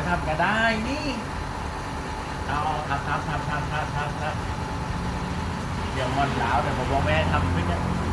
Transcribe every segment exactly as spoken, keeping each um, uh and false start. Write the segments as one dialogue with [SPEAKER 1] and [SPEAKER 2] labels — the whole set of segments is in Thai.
[SPEAKER 1] ทำก็ได้นี่เอาทำทำทำทำทำทำทำเดี๋ยวงอนหลาวแต่ผมบอกแม่ทำไม่ได้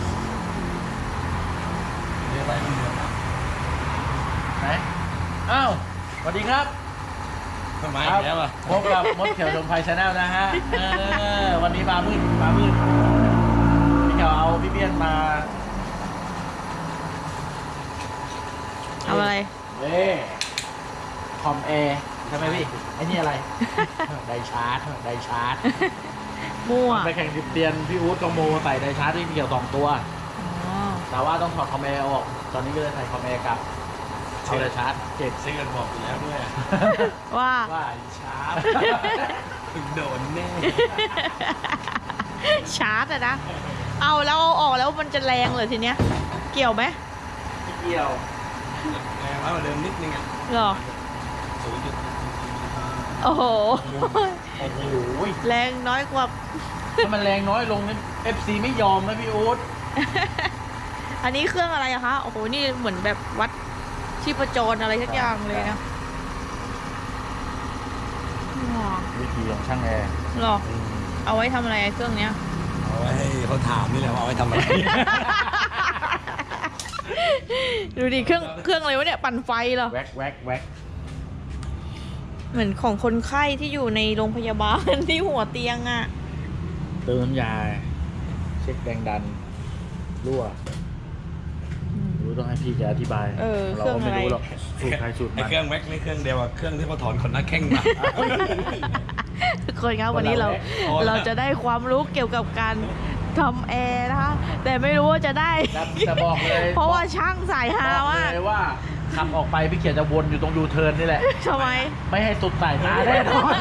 [SPEAKER 1] เรียกอะไรมันเดือดไหนอ้าวสวัสดีครับ
[SPEAKER 2] ทำไมแล้วอ่ะ
[SPEAKER 1] พบกับมดเขียวชมไพชาแนลนะฮะเออวันนี้มามืดมามืดพี่เขียวเอาพี่เบี้ยนมา
[SPEAKER 3] เอาอะไร
[SPEAKER 1] เว้คอมแอร์ใช่ไหมพี่ไอ้นี่อะไร ไดชาร์จไดชาร์จ
[SPEAKER 3] มั่ว
[SPEAKER 1] ไปแข่งดิบเตียนพี่อู๊ดกโมใส่ไดชาร์จที่พี่เขียวสองตัวแต่ว่าต้องถอดคอมแอร์ออกตอนนี้ก็เลยใส่คอมแอร์กับเอาไดชาร์จเจ็ด
[SPEAKER 2] ซื้อกันบอกอยู่แล้วด้วย
[SPEAKER 3] ว่า
[SPEAKER 1] ว่าชาร์จ
[SPEAKER 2] ถึงโดนแน่
[SPEAKER 3] ชาร์จอะนะเอาแล้วเอาออกแล้วมันจะแรงเลยทีเนี้ยเกี่ยวไหม
[SPEAKER 1] ไม่เกี่ยว
[SPEAKER 2] แรงแล้วเดิมนิดนึงอ่ะ
[SPEAKER 3] หรอ
[SPEAKER 2] ศูนย์จุด
[SPEAKER 3] โอ้โห
[SPEAKER 1] โอ้โห
[SPEAKER 3] แรงน้อยกว่า
[SPEAKER 1] ถ้ามันแรงน้อยลงนี่ เอฟ ซี ไม่ยอมนะพี่อู๊ด
[SPEAKER 3] อันนี้เครื่องอะไรอะคะโอ้โหนี่เหมือนแบบวัดชีพจรอะไรสักอย่างเลยนะ
[SPEAKER 1] วิธีของช่างแอร์
[SPEAKER 3] หรอเอาไว้ทำอะไรเครื่องเนี้ย
[SPEAKER 2] เอาไว้ให้เขาถามนี่แหละว่าเอาไว้ทำอะไร
[SPEAKER 3] ดูดิเครื่องเครื่องอะไรวะเนี่ยปั่นไฟเหรอ
[SPEAKER 1] แว็กแว็กแว็ก
[SPEAKER 3] เหมือนของคนไข้ที่อยู่ในโรงพยาบาลที่หัวเตียงอ่ะ
[SPEAKER 1] เติมน้ำยาเช็คแรงดันรั่วรู้ต้องให้พี่แกอธิบายเราก็ไม่รู้หรอกสูตรใครสูตรมัน
[SPEAKER 2] เครื่องแว็กนี่เครื่องเดียวกับเครื่องที่เขาถอนขนหน้าแข้งมา
[SPEAKER 3] ทุกคนครับวันนี้เราเราจะได้ความรู้เกี่ยวกับการทำแอร์นะคะแต่ไม่รู้ว่าจะได้
[SPEAKER 1] แต่บอกเลย
[SPEAKER 3] เพราะว่าช่างสายฮามาก
[SPEAKER 1] เลยว่าขับออกไปพี่เขียนจะวนอยู่ตรงยูเทิร์นนี่แหละ
[SPEAKER 3] ทำไม
[SPEAKER 1] ไม่ให้สุดสายตาแน่นอน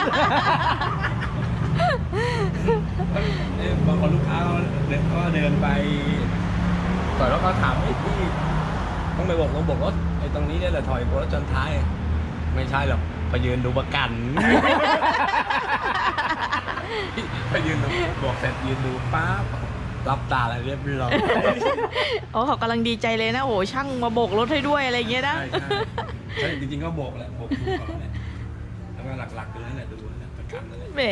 [SPEAKER 2] บางคนลูกค้าเขาเดินไปต่อยแล้วเขาถามพี่ต้องไปบอกลงบอกรถไอ้ตรงนี้เนี่ยแหละถอยรถจนท้ายไม่ใช่หรอกไปยืนดูประกันไปยืนดูบอกเสร็จยืนดูป๊าบรับตาอะไรเรียบร้อย
[SPEAKER 3] โอ้เขากำลังดีใจเลยนะโอ้ช่างมาโบกรถให้ด้วยอะไรเงี้ยนะ
[SPEAKER 2] ใช่จริงๆก็โบกแหละโบกดูก่อนแหละแล้วก็หลักๆคือนั่นแหละดูนั่นแหละประกันนั่นแหละ
[SPEAKER 3] แหม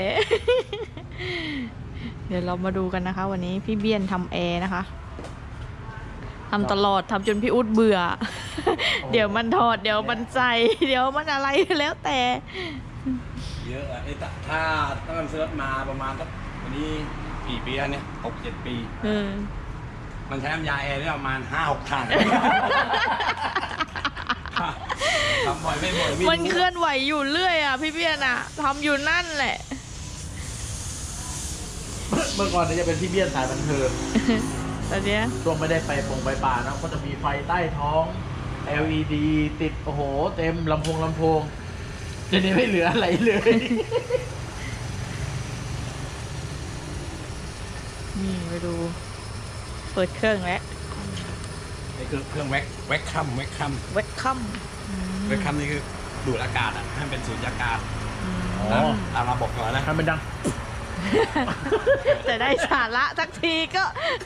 [SPEAKER 3] เดี๋ยวเรามาดูกันนะคะวันนี้พี่เบี้ยนทำแอร์นะคะทำตลอดทำจนพี่อุ๊ดเบื่อเดี๋ยวมันถอดเดี๋ยวมันใส่เดี๋ยวมันอะไรแล้วแต่
[SPEAKER 2] เยอะไอ้ถ้าตั้งแต่ซื้อมาประมาณสักวันนี้กี่ปีแล้วเนี่ยหกเจ็ดปีมันใช้น้ำยาแอร์ได้ประมาณห้าหกถังทำบ่อยไม่บ่อย
[SPEAKER 3] มันเคลื่อนไหวอยู่เรื่อยอ่ะพี่เบี้ยนอ่ะทำอยู่นั่นแหละ
[SPEAKER 1] เมื่อก่อนเนี่ยจะเป็นพี่เบี้ยนสายบันเทิง
[SPEAKER 3] ตอนนี้
[SPEAKER 1] ช่วงไม่ได้ไปปงไปป่านะก็จะมีไฟใต้ท้อง แอล อี ดี ติดโอ้โหเต็มลำโพงลำโพงจะนี้ไม่เหลืออะไรเลย
[SPEAKER 3] นี่ไปดูเปิดเครื่องแล้ว
[SPEAKER 2] นี่คือเครื่องแว็กแว็กคัมแว็กคัม
[SPEAKER 3] แว็กคัม
[SPEAKER 2] แว็กคัมนี่คือดูดอากาศอ่ะให้เป็นสูญญากาศ
[SPEAKER 1] อ๋อ
[SPEAKER 2] ตามระบบก่อนนะ
[SPEAKER 1] ให้มันดัง
[SPEAKER 3] แต่ได้สาระสักทีก็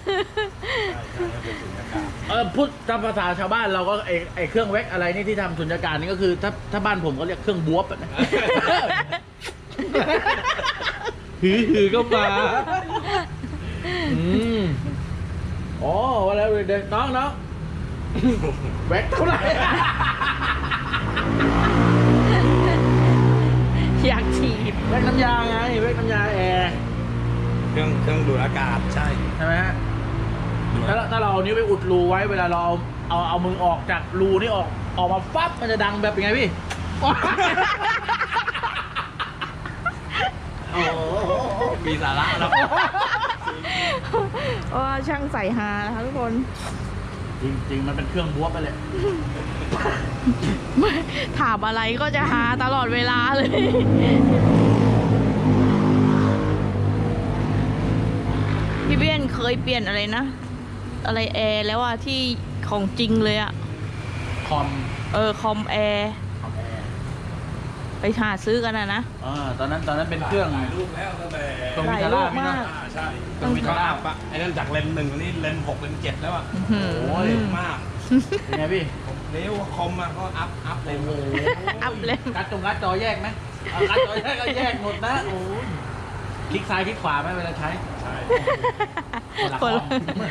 [SPEAKER 1] เออพูดตามภาษาชาวบ้านเราก็ไอไอเครื่องแว็กอะไรนี่ที่ทำสุญญากาศนี่ก็คือถ้าถ้าบ้านผมก็เรียกเครื่องบวบนะหือหือก็มาอืมอ๋อว่าแล้วเด็กน้องน้องแว็กเท่าไหร่
[SPEAKER 3] อยากฉีด
[SPEAKER 1] แว็กน้ำยาไงแว็กน้ำยาแอร์
[SPEAKER 2] เครื่องเครื่องดูดอากาศใช่
[SPEAKER 1] ใช่ไหมฮะถ้าถ้าเราเอานิ้วไปอุดรูไว้เวลาเราเอาเอาเอามือออกจากรูนี่ออกออกมาปั๊บมันจะดังแบบยังไงพี่
[SPEAKER 2] โอ้มีสาระแล้ว
[SPEAKER 3] ว่าช่างใส่ฮานะคะทุกคน
[SPEAKER 1] จริงๆมันเป็นเครื่องบวบไปเลย
[SPEAKER 3] ถามอะไรก็จะฮาตลอดเวลาเลยพี่เบี้ยนเคยเปลี่ยนอะไรนะอะไรแอร์แล้วอะที่ของจริงเลยอะ
[SPEAKER 1] คอม
[SPEAKER 3] เออคอมแอร์ไปหาซื้อกันนะนะ
[SPEAKER 1] อ่าตอนนั้นตอนนั้นเป็นเครื่อง
[SPEAKER 2] รูปแล้วตั้งแต่
[SPEAKER 1] ตรงวิทาร่าพี่นะ
[SPEAKER 2] ใช่ตรงวิทาร่าปะไอ้นั่นจากเลนหนึ่งนี่เลนหกเลนเจ็ดแล้วอ่ะ
[SPEAKER 1] โอ้ย
[SPEAKER 2] มาก
[SPEAKER 1] เป็นไงพี่
[SPEAKER 2] เร็วคอมมาก็อัพอัพเลย
[SPEAKER 1] โอ้โห
[SPEAKER 3] อัพเลย
[SPEAKER 1] การ์ดจงการ์ดจอแยกไหมเอาการ์ดจอแยกก็แยกหมดนะโอ้ยคลิกซ้ายคลิกขวาไหมเวลาใช้
[SPEAKER 2] ใช่
[SPEAKER 1] คนละค
[SPEAKER 3] คน
[SPEAKER 1] อ
[SPEAKER 3] ละ
[SPEAKER 1] ม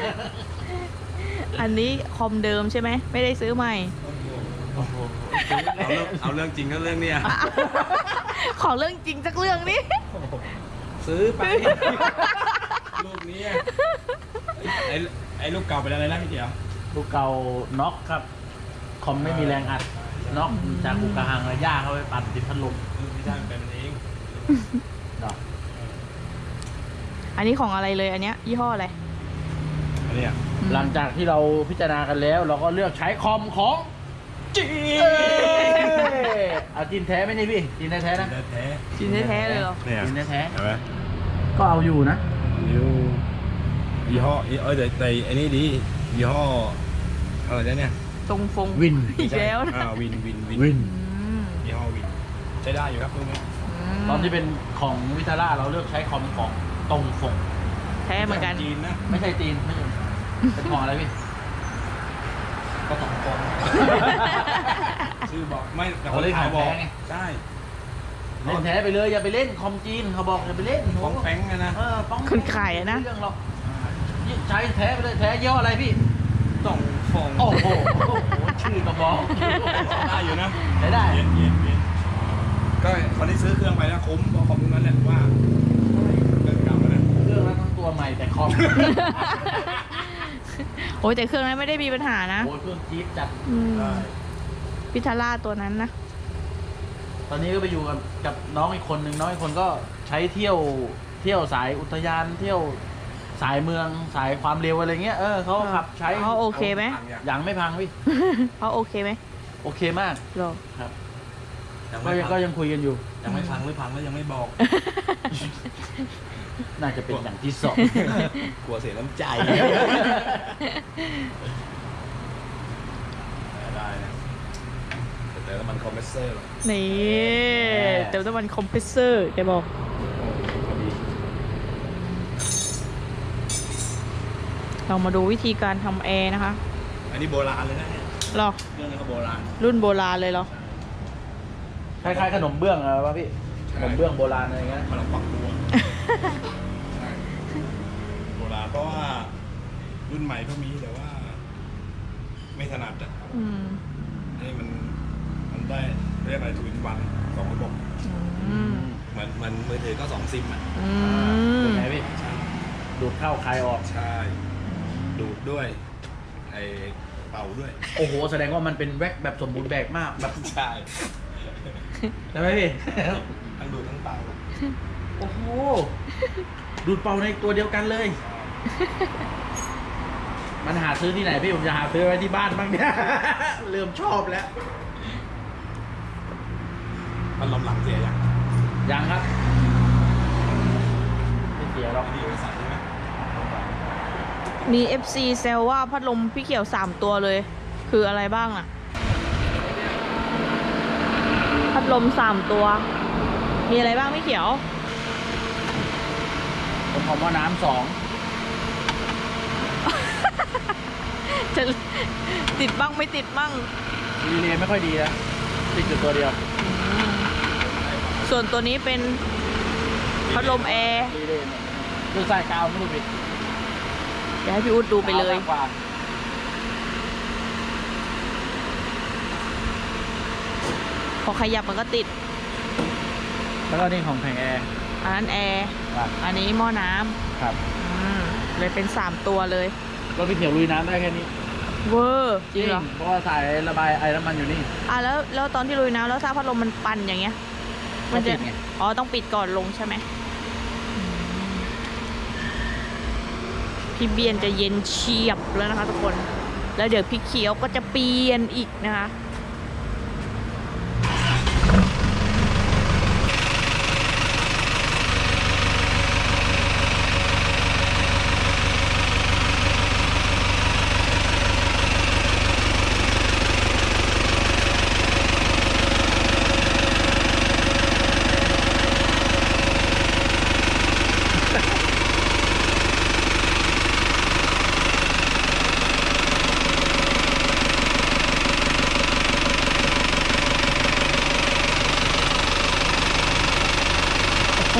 [SPEAKER 3] อันนี้คอมเดิมใช่ไหมไม่ได้ซื้อใหม่
[SPEAKER 1] โอ้โห
[SPEAKER 2] เอาเรื่องเอาเรื่องจริงก็เรื่องเนี้ย
[SPEAKER 3] ขอเรื่องจริงสักเรื่องนี้
[SPEAKER 2] ซื้อไปลูกนี้ไอ้ไอ้ลูกเก่าไปแล้วอะไรนะพี่เดียว
[SPEAKER 1] ลูกเก่าน็อกครับ คอมไม่มีแรงอัดน็อกจากอุกกาหังระย่าเข้าไปปั่นติดพัดลม
[SPEAKER 2] ลูกที่ได้มันเป็นมันเอง
[SPEAKER 1] ดอก
[SPEAKER 3] อันนี้ของอะไรเลยอันเนี้ยยี่ห้ออะไร
[SPEAKER 2] อันเนี้ย
[SPEAKER 1] หลังจากที่เราพิจารณากันแล้ว เราก็เลือกใช้คอมของจีนเอาจีนแท้ไหมนี่พี่จีนแท้ๆนะ
[SPEAKER 2] แท้
[SPEAKER 3] ชิ้นแท้ๆเลยเหรอ
[SPEAKER 2] ๆเนี่ย
[SPEAKER 1] จีนแท้
[SPEAKER 2] เห็นไหม
[SPEAKER 1] ๆก็เอาอยู่นะ
[SPEAKER 2] ยี่ห้อยี่ห้อเอ้ยแต่แต่ไอ้นี่ดียี่ห้ออะไรนะเนี่ย
[SPEAKER 3] ทรงฟง
[SPEAKER 1] วิน
[SPEAKER 3] อีกแล้วนะ
[SPEAKER 2] อ่าวินวินวิน
[SPEAKER 1] วิน
[SPEAKER 3] อืม
[SPEAKER 2] ยี่ห้อวินใช้ได้อยู่ครับพวกนี้
[SPEAKER 1] ตอนที่เป็นของวิทาร่าเราเลือกใช้คอมของตรงฟง
[SPEAKER 3] แท้เหมือนกัน
[SPEAKER 2] จีนนะ
[SPEAKER 1] ไม่ใช่จีนไม่ใช่เป็นของอะไรพี่
[SPEAKER 2] ก็สองคนชื่อบอกไม่แต่
[SPEAKER 1] เขา
[SPEAKER 2] คน
[SPEAKER 1] เล่น
[SPEAKER 2] ขา
[SPEAKER 1] ข
[SPEAKER 2] ย
[SPEAKER 1] อง
[SPEAKER 2] บอก
[SPEAKER 1] แท้ไง
[SPEAKER 2] ใช่
[SPEAKER 1] เล่นแท้ไปเลยอย่าไปเล่นคอมจีนเขาบอกอย่าไปเล่น
[SPEAKER 2] ฟ้องแป้งอะนะ
[SPEAKER 1] เออฟ้อง
[SPEAKER 3] คนขายอะนะ
[SPEAKER 1] เรื่องหรอกใช้แท้ไปเลยแท้ยี่ห้ออะไรพี่
[SPEAKER 2] ต้องฟอง
[SPEAKER 1] โอ้โหชื่อก็บอก
[SPEAKER 2] ได้อยู่นะ
[SPEAKER 1] ได้ได้
[SPEAKER 2] เย็นเย็นเย็นก็คนที่ซื้อเครื่องไปแล้วคุ้มเพราะคอมนั้นแหละว่าเรื่องเก่าแล้วนะ
[SPEAKER 1] เครื่องแล้วทั้งตัวใหม่แต่คอม
[SPEAKER 3] โอ้ยแต่เครื่องนั้นไม่ได้มีปัญหานะ
[SPEAKER 1] โอ้ยเครื่องจี๊ดจัด
[SPEAKER 3] อืม
[SPEAKER 2] ใช่
[SPEAKER 3] พิทาร่าตัวนั้นนะ
[SPEAKER 1] ตอนนี้ก็ไปอยู่กับกับน้องอีกคนหนึ่งน้องอีกคนก็ใช้เที่ยวเที่ยวสายอุทยานเที่ยวสายเมืองสายความเร็วอะไรเงี้ยเออเขาขับใช้
[SPEAKER 3] เขาโอเคไหม
[SPEAKER 1] ยังไม่พังพี่
[SPEAKER 3] เขาโอเคไหม
[SPEAKER 1] โอเคมาก
[SPEAKER 3] หรอ
[SPEAKER 1] ครับ
[SPEAKER 2] ยัง
[SPEAKER 1] ก็
[SPEAKER 2] ไม่
[SPEAKER 1] ยัง
[SPEAKER 2] พั
[SPEAKER 1] ก็
[SPEAKER 2] ง
[SPEAKER 1] ยังคุยกันอยู่
[SPEAKER 2] ยังไม่พังหรือพังแล้วยังไม่บอก
[SPEAKER 1] น่าจะเป็นอย่างที่สอง
[SPEAKER 2] กลัวเสียน้ำใจได้นะแต่แล้วมันคอมเพรสเซอร์หรอ
[SPEAKER 3] นี่เติมน้ำมันคอมเพรสเซอร์แกบอก
[SPEAKER 2] พอดี
[SPEAKER 3] เรามาดูวิธีการทำแอร์นะคะ
[SPEAKER 2] อันนี้โบราณเลยนะเนี่ย
[SPEAKER 3] หรอ
[SPEAKER 2] เรื่องนี้ก็โบราณ
[SPEAKER 3] รุ่นโบราณเลยเหรอ
[SPEAKER 1] คล้ายๆขนมเบื้องอะไรวะพี่ขนมเบื้องโบราณอะไรเงี้ย
[SPEAKER 2] มันลองปักตัวใช่โบราณเพราะว่ารุ่นใหม่ก็มีแต่ว่า ไม่ถนัดอ่ะ
[SPEAKER 3] อืม
[SPEAKER 2] อันนี้มันมันได้เรียกอะไรทูอินวันสองระบบ
[SPEAKER 3] อืม
[SPEAKER 2] เหมือนมันมือถือก็สองซิมอ่ะ
[SPEAKER 3] อืม
[SPEAKER 1] เป็นไงพี่ดูดเข้าคลายออก
[SPEAKER 2] ใช่ดูดด้วยไอเป่าด้วย
[SPEAKER 1] โอ้โหแสดงว่ามันเป็นแว็กแบบสมบูรณ์แบบมากแบบ
[SPEAKER 2] ใช่
[SPEAKER 1] ใช่ไหมพี่
[SPEAKER 2] ทั้งดูดทั้งเป่า
[SPEAKER 1] โอ้โหดูดเป่าในตัวเดียวกันเลย มันหาซื้อที่ไหนพี่ผมจะหาซื้อไว้ที่บ้านบ้างเนี่ย เริ่มชอบแล้ว
[SPEAKER 2] มันลมหลังเสียยัง
[SPEAKER 1] ยังครับไม่เสียหรอก
[SPEAKER 2] อันนี้บริษัทใช่ไหม
[SPEAKER 3] มี เอฟ ซี แซวว่าพัดลมพี่เขียวสามตัวเลย คืออะไรบ้างอะพัดลมสามตัว มีอะไรบ้างพี่เขียว
[SPEAKER 1] ผมของว่าน้ำสอง
[SPEAKER 3] จะติดบ้างไม่ติดบ้าง
[SPEAKER 1] รีเลย์ไม่ค่อยดีนะติดอยู่ตัวเดียว
[SPEAKER 3] ส่วนตัวนี้เป็นพัดลมแอร์
[SPEAKER 1] รีเลย์เนี่ยคือสายกาวไม่รู้ผิด
[SPEAKER 3] เดี๋ยวให้พี่อุ๊ดดูไปเลย
[SPEAKER 1] กาวมากกว่า
[SPEAKER 3] พอขยับมันก็ติด
[SPEAKER 1] แล้วก็นี่ของแผงแอร์
[SPEAKER 3] อันนั้นแอร์
[SPEAKER 1] ครับ
[SPEAKER 3] อันนี้หม้อน้ำ
[SPEAKER 1] ครับ
[SPEAKER 3] อืมเลยเป็นสามตัวเลย
[SPEAKER 1] ก็พี่เขียวลุยน้ำได้แค่นี้
[SPEAKER 3] เวอร์จริงเหรอ
[SPEAKER 1] เพราะว่าสายระบายไอน้ำมันอยู่นี่
[SPEAKER 3] อ่ะแล้วแล้วตอนที่ลุยน้ำแล้วถ้าพัดลมมันปั่นอย่างเงี้ย
[SPEAKER 1] ก็ติดไง
[SPEAKER 3] อ๋อต้องปิดก่อนลงใช่ไหมอืมพี่เบียนจะเย็นเฉียบแล้วนะคะทุกคน แล้วเดี๋ยวพี่เขียวก็จะเปลี่ยนอีกนะคะ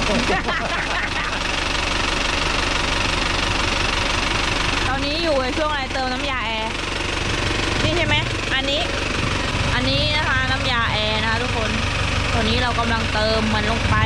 [SPEAKER 3] ตอนนี้อยู่ในช่วงอะไรเติมน้ำยาแอร์ นี่ใช่ไหม อันนี้ อันนี้นะคะน้ำยาแอร์นะคะทุกคน ตอนนี้เรากำลังเติมมันลงไป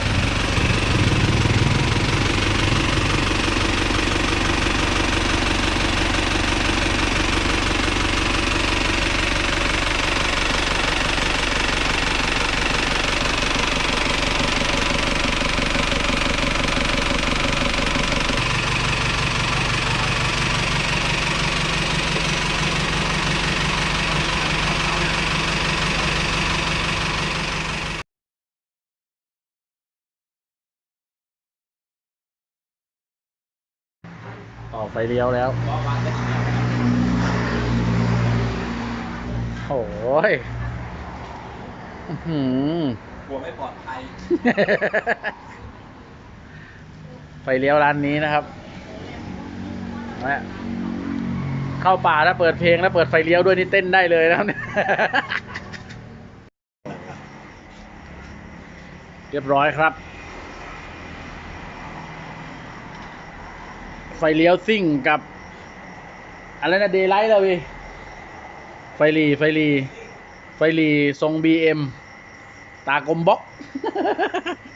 [SPEAKER 1] ออกไฟเลี้ยวแล้ว โอ้ยอื้อหือก
[SPEAKER 2] ลัวไม่ปลอดภัย
[SPEAKER 1] ไฟเลี้ยวร้านนี้นะครับเนี่ยเข้าป่าถ้าเปิดเพลงแล้วเปิดไฟเลี้ยวด้วยนี่เต้นได้เลยนะครับเนี่ย เรียบร้อยครับ ไฟเลี้ยวซิ่งกับอะไรนะเดย์ไลท์เราพี่ไฟหลีไฟหลีไฟหลีทรงบีเอ็มตากลมบล็อก